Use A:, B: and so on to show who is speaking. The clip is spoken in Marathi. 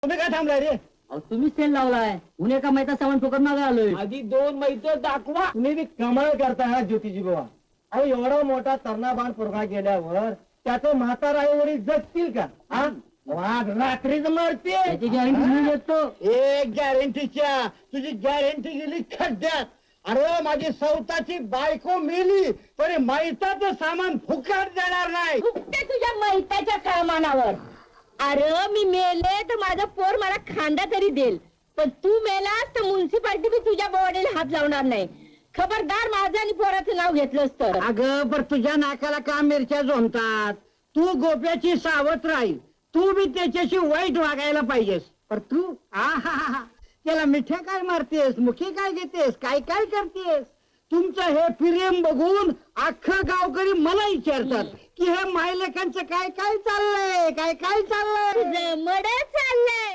A: तुम्ही काय थांबलाय रे?
B: तुम्हीच तेल लावलाय उन्हे का माहिती सामान फुकट मागा आलोय.
A: आधी 2 मैत दाखवा. तुम्ही बी कमाल करताय हा ज्योतिजी बाबा. अहो एवढा मोठा तरणा पोरगा गेल्यावर त्याचं म्हातारा आई जगतील का? हा वाघ रात्रीच मरते.
B: त्याची गॅरंटी मी देतो.
A: एक गॅरंटीच्या तुझी गॅरंटी गेली खड्ड्यात. अरे माझी सौताची बायको मेली तरी मैताचं सामान फुकट देणार नाही.
C: फुकटे तुझ्या मैताच्या कामानावर. अरे मी मेले तर माझा पोर मला खांदा तरी देईल, पण तू मेलास तर म्युन्सिपाल्टी बी तुझ्या बॉडीला हात लावणार नाही. खबरदार माझं आणि पोराचं नाव घेतलंस तर.
A: अगं पर तुझ्या नाकाला का मिरच्या झोंबतात? तू गोप्याची सावत्र राहील. तू बी त्याच्याशी वाईट वागायला पाहिजेस. पर तू आहा त्याला मिठ्या काय मारतेस, मुखी काय घेतेस, काय काय करतेस? तुमचं हे प्रेम बघून अख्खं गावकरी मला विचारतात की हे मायलेकांचं काय काय चाललंय, काय काय चाललंय.
C: मड चाललंय.